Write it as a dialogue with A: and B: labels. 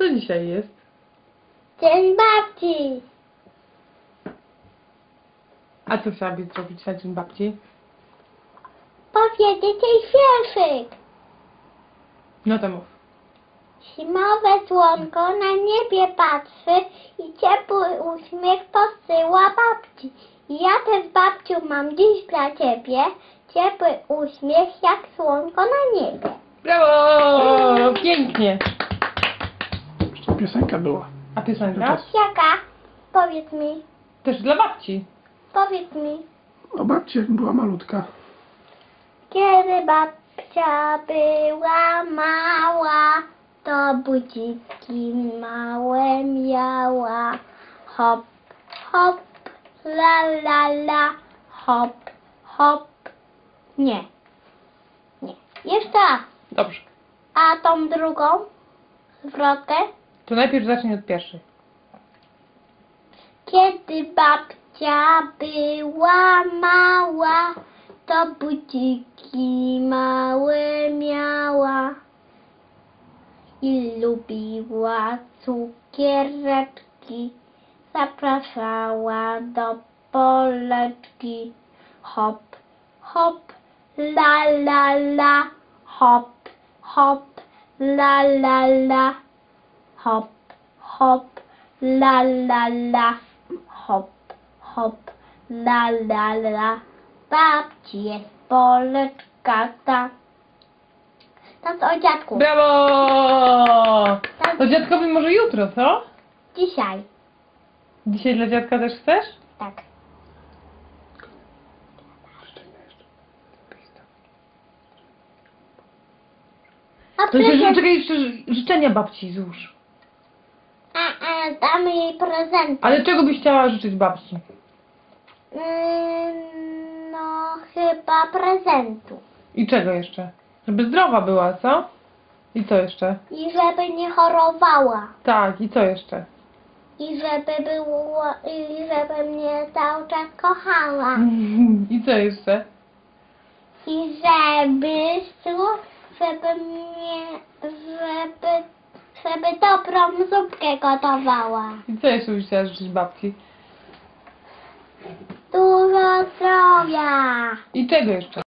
A: Co dzisiaj jest?
B: Dzień babci.
A: A co chciałabyś zrobić na dzień babci?
B: Powiedzieć jej wierszyk.
A: No to mów.
B: Zimowe słonko na niebie patrzy i ciepły uśmiech posyła babci. I ja też, babciu, mam dziś dla ciebie ciepły uśmiech jak słonko na niebie.
A: Brawo! Pięknie!
C: Jeszcze piosenka była.
A: A piosenka?
B: Jaka? Powiedz mi,
A: Też dla babci.
B: powiedz mi.
C: O babci, jak była malutka.
B: Kiedy babcia była mała, to budziki małe miała. Hop, hop, la la la, hop, hop. Nie, nie. Jeszcze raz.
A: Dobrze.
B: A tą drugą zwrotkę?
A: To najpierw zacznij od pierwszej.
B: Kiedy babcia była mała, to budziki małe miała i lubiła cukiereczki, zapraszała do poleczki. Hop, hop, la la la, hop, hop, la la la, hop, hop, la la la, hop, hop, la la la. Babci jest poleczka ta. Teraz o dziadku.
A: Brawo! To dziadkowi może jutro, co?
B: Dzisiaj.
A: Dzisiaj dla dziadka też chcesz?
B: Tak. A
A: To jeszcze,
B: prezent...
A: czekaj, jeszcze życzenia babci złóż.
B: Damy jej prezent.
A: Ale czego byś chciała życzyć babci?
B: No, chyba prezentu.
A: I czego jeszcze? Żeby zdrowa była, co? I co jeszcze?
B: I żeby nie chorowała.
A: Tak, i co jeszcze?
B: I żeby mnie cały czas kochała.
A: I co jeszcze?
B: I żeby dobrą zupkę gotowała.
A: I co jeszcze byś chciała życzyć babci?
B: Dużo zdrowia.
A: I czego jeszcze?